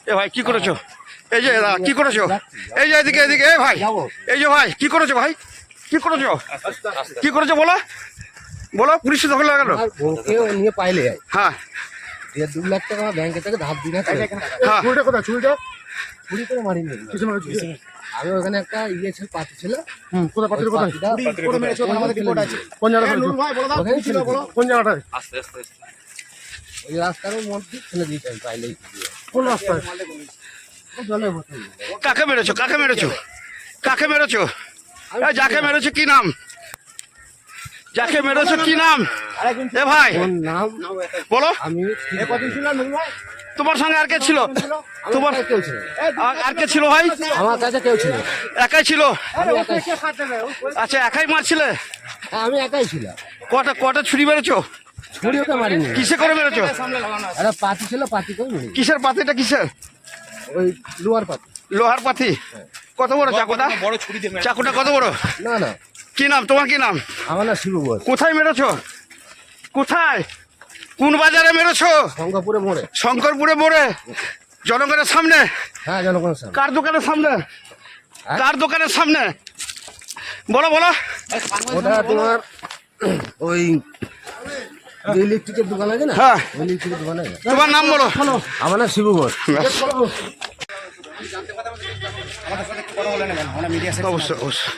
এ ভাই কি করেছো? এই যে কি করেছো? এই যে এদিকে এদিকে, এই ভাই, এই যে ভাই কি করেছো ভাই? কি করেছো? কি করেছো বলো, বলো। পুলিশ দখল লাগালো? নিয়ে পাইলে হ্যাঁ 2 লাখ টাকা ব্যাংকে থেকে ধার দিয়ে হ্যাঁ চুরিটা কোথায়? চুরি করে মারিনি। আমি ওখানে একটা ইয়ে ছিল, পাতি ছিল। কোথায় পাত্রের কোথায়? কোন কোন জায়গাটায়? ওই রাস্তার মধ্যে ফেলে দিয়েছে আমি পাইলেই। কোন রাস্তায়? কাকে মেরেছো? কাকে মেরেছো? কাকে মেরেছো? এই যাকে মেরেছো কি নাম? যাকে মেরেছো কি নাম? এ ভাই ওর নাম বলো। আমি তোমার সঙ্গে আর কে ছিল? তোমার কেউ ছিল, আর কে ছিল ভাই? আমার কাছে কেউ ছিল। একাই ছিল? আমি একাই, আচ্ছা একাই মারছিলে? আমি একাই ছিল। কটা কটা ছুরি মেরেছো? ছুরি ওকে মারিনি। কিসে করে মেরেছো? একটা পাতি ছিল, পাতি করে মারিনি। কিসের পাতিটা কিসের? ওই লোহার পাতি। লোহার পাতি? কত বড় চাকুটা? চাকুটা কত বড়? না না, কি নাম তোমার? কি নাম? আমার না শিবু ঘোষ। কোথায় মেরেছো? কোথায়? কোন বাজারে মেরেছো? শঙ্করপুরে মোড়ে। শঙ্করপুরে মোড়ে? জনগণের সামনে? হ্যাঁ, জনগণের সামনে। কার দোকানের সামনে? কার দোকানের সামনে বলো বলো। ওটা তোমার ওই যে ইলেকট্রিকের দোকান আছে না, হ্যাঁ ওই ইলেকট্রিকের দোকানে। তোমার নাম বলো। আমার নাম শিবু ঘোষ। অবশ্যই অবশ্যই।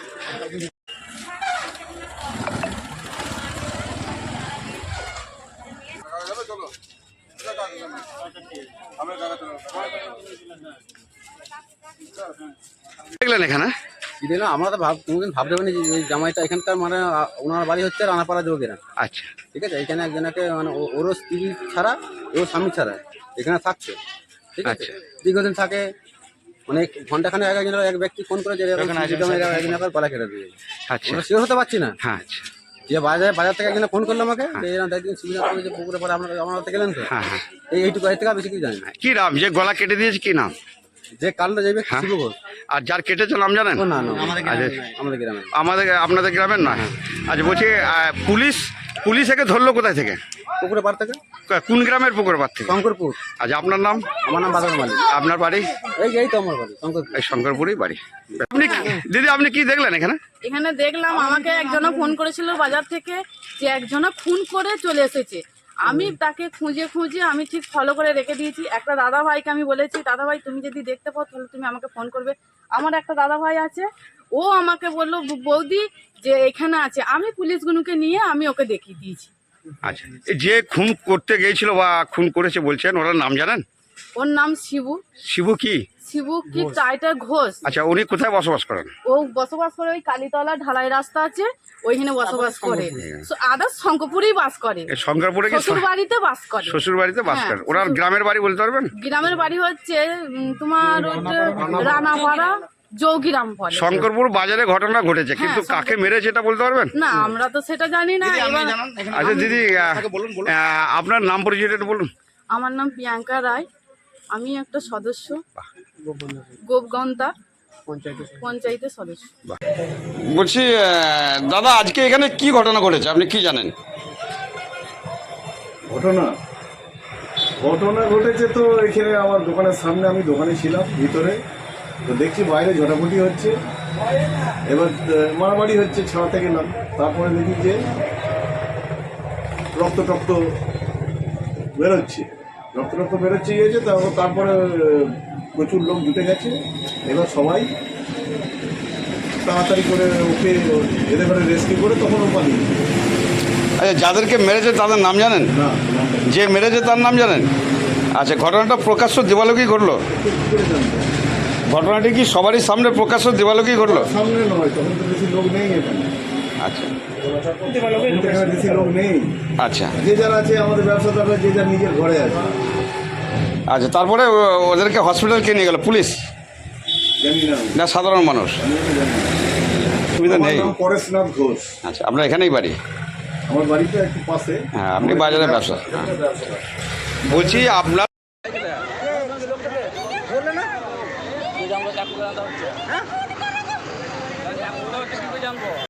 দেখলেন এখানে আমরা তো কোনোদিন ভাবতে পারিনি যে এই জামাইটা এখানকার, মানে ওনার বাড়ি হচ্ছে রানাপাড়া যোগেরা। আচ্ছা ঠিক আছে, এখানে একজনকে মানে ওরও স্ত্রী ছাড়া, ওর স্বামী ছাড়া এখানে থাকছে। ঠিক আছে, আচ্ছা। দীর্ঘদিন থাকে। মানে ঘন্টাখানে এক ব্যক্তি ফোন করে যে একজন গলা কেটে দিয়ে। আচ্ছা আমরা শিওর হতে পারছি না। হ্যাঁ আচ্ছা যে বাজার থেকে একজন ফোন করলো আমাকে যে এরকম একদিন সুবিধা করে যে পুকুরে পরে আপনারা গেলেন তো। হ্যাঁ হ্যাঁ। এইটুকু এর থেকে বেশি কিছু জানি না। কি নাম? যে গলা কেটে দিয়েছে কি নাম? যে কালটা যাবে হ্যাঁ। শিবু ঘোষ। আর যার কেটেছে নাম জানেন? না না, আচ্ছা, আমাদের গ্রামে। আমাদের আপনাদের গ্রামের নয়? আচ্ছা বলছি পুলিশ একে ধরলো কোথায় থেকে? পুকুরে পার থেকে। কোন গ্রামের পুকুর পাড় থেকে? শঙ্করপুর। আচ্ছা আপনার নাম? আমার নাম বাদল মালিক। আপনার বাড়ি? এই তো আমার বাড়ি শঙ্করপুর। এই শঙ্করপুরেই বাড়ি। আপনি দিদি আপনি কি দেখলেন এখানে? এখানে দেখলাম আমাকে একজনা ফোন করেছিল বাজার থেকে যে একজনা খুন করে চলে এসেছে। আমি তাকে খুঁজে খুঁজে আমি ঠিক ফলো করে রেখে দিয়েছি। একটা দাদা ভাইকে আমি বলেছি, দাদা ভাই তুমি যদি দেখতে পাও তাহলে তুমি আমাকে ফোন করবে। আমার একটা দাদা ভাই আছে, ও আমাকে বললো বৌদি যে এখানে আছে। আমি পুলিশগুলোকে নিয়ে আমি ওকে দেখিয়ে দিয়েছি। আচ্ছা যে খুন করতে গিয়েছিল বা খুন করেছে বলছেন, ওনার নাম জানেন? ওর নাম শিবু। শিবু কি? শিবু কি টাইটার ঘোষ। আচ্ছা উনি কোথায় বসবাস করেন? ও বসবাস করে ওই কালীতলা ঢালাই রাস্তা আছে ওইখানে বসবাস করে। আদার্স শঙ্করপুরেই বাস করে। শঙ্করপুরে কি শ্বশুর বাড়িতে বাস করে। শ্বশুর বাড়িতে বাস হ্যাঁ, করেন? ওনার গ্রামের বাড়ি বলতে পারবেন? গ্রামের বাড়ি হচ্ছে তোমার রানাপাড়া যোগিরাম বলে। শঙ্করপুর বাজারে ঘটনা ঘটেছে, কিন্তু কাকে মেরেছে এটা বলতে পারবেন? না আমরা তো সেটা জানি না। আচ্ছা দিদি আপনার নাম পরিচয়টা একটু বলুন। আমার নাম প্রিয়াঙ্কা রায়, আমি একটা সদস্য, গোপগন্তা পঞ্চায়েতের সদস্য। বলছি দাদা আজকে এখানে কি ঘটনা ঘটেছে আপনি কি জানেন? ঘটনা ঘটেছে তো এখানে আমার দোকানের সামনে, আমি দোকানে ছিলাম ভিতরে, তো দেখছি বাইরে ঝটাপটি হচ্ছে, এবার মারামারি হচ্ছে, ছাড়াতে গেলাম। তারপরে দেখি যে রক্ত বেরোচ্ছে, গিয়েছে। তারপরে প্রচুর লোক জুটে গেছে। এবার সবাই তাড়াতাড়ি করে ওকে এদের করে রেস্কিউ করে তখন ও পালিয়ে। আচ্ছা যাদেরকে মেরেছে তাদের নাম জানেন? না, যে মেরেছে তার নাম জানেন? আচ্ছা ঘটনাটা প্রকাশ্য দিবালোকেই ঘটলো? ঘটনাটি কি সবারই সামনে প্রকাশ্য দিবালোকেই ঘটলো? সামনে নয়, তখন তো বেশি লোক নেই এখানে। আচ্ছা এখানে বেশি লোক নেই। আচ্ছা যে যারা আছে আমাদের ব্যবসাদাররা, যে যার নিজের ঘরে আছে। আচ্ছা তারপরে ওদেরকে হসপিটাল কে নিয়ে গেল? পুলিশ জানি না, না সাধারণ মানুষ? সুবিধা আমার নেই। নাম পরেশনাথ ঘোষ। আচ্ছা আপনার এখানেই বাড়ি? আমার বাড়িটা একটু পাশে। হ্যাঁ আপনি বাজারে ব্যবসা। হ্যাঁ বলছি আপনার